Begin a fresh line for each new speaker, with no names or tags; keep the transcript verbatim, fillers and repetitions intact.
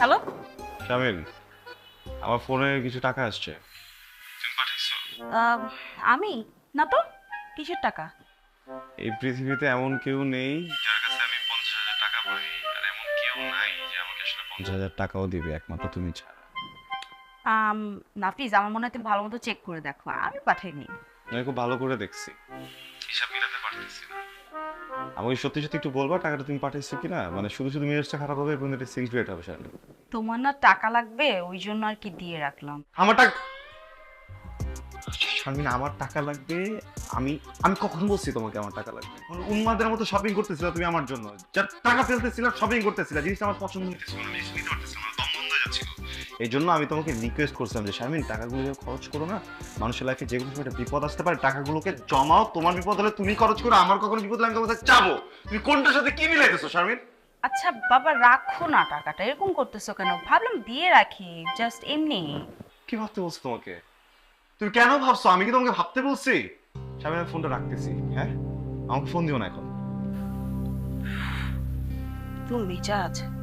Hello.
শামিল, আমার ফোনে কিছু টাকা আসছে, তুমি পাঠিয়েছো?
আমি না তো, কিসের টাকা?
এই পৃথিবীতে এমন কেউ নেই যার কাছে আমি পঞ্চাশ হাজার টাকা পাই, আর এমন কেউ নাই যে আমাকে আসলে পঞ্চাশ হাজার টাকাও দিবে, একমাত্র তুমি ছাড়া।
আম, নাফিজ, আমার মনে হয় তুমি ভালো মতো চেক করে দেখো, আমি পাঠাইনি।
আমি খুব ভালো করে দেখছি, হিসাব মিলাতে পারতেছি না। আমাকে সত্যি সত্যি একটু বলবা টাকাটা তুমি পাঠিয়েছো কিনা, মানে শুধু শুধু মেজাজটা খারাপ হবে এবং এটা সিক্রেট হবে শামিল।
তোমার না টাকা লাগবে, ওই জন্য আর কি দিয়ে রাখলাম।
আমার টাকা শারমিন, আমার টাকা লাগবে। আমি আমি কখন বলছি তোমাকে আমার টাকা লাগবে? মানে উন্মাদের মতো শপিং করতেছিলা তুমি আমার জন্য, যার টাকা ফেলতেছিলা, শপিং করতেছিলা, জিনিসটা আমার পছন্দ হইতেছিল না, জিনিস নিতে পারতেছিলাম না, দম বন্ধ হয়ে যাচ্ছিল। এই জন্য আমি তোমাকে রিকোয়েস্ট করছিলাম যে শারমিন, টাকাগুলো যেন খরচ করো না। মানুষের লাইফে যে কোনো সময় একটা বিপদ আসতে পারে, টাকাগুলোকে জমাও। তোমার বিপদ হলে তুমি খরচ করো, আমার কখনো বিপদ হলে আমি তোমার কাছে চাবো। তুমি কোনটার সাথে কি মিলাইতেছো শারমিন?
আচ্ছা বাবা, রাখো না টাকাটা, এরকম করতেছো কেন? ভাবলাম দিয়ে রাখি, জাস্ট এমনি।
কি ভাবতে বলছো তোমাকে? তুমি কেন ভাবছো? আমি কি তোমাকে ভাবতে বলছি? শারমিন, আমি ফোনটা রাখতেছি। হ্যাঁ, আমাকে ফোন দিও না এখন।
তুমি মেজাজ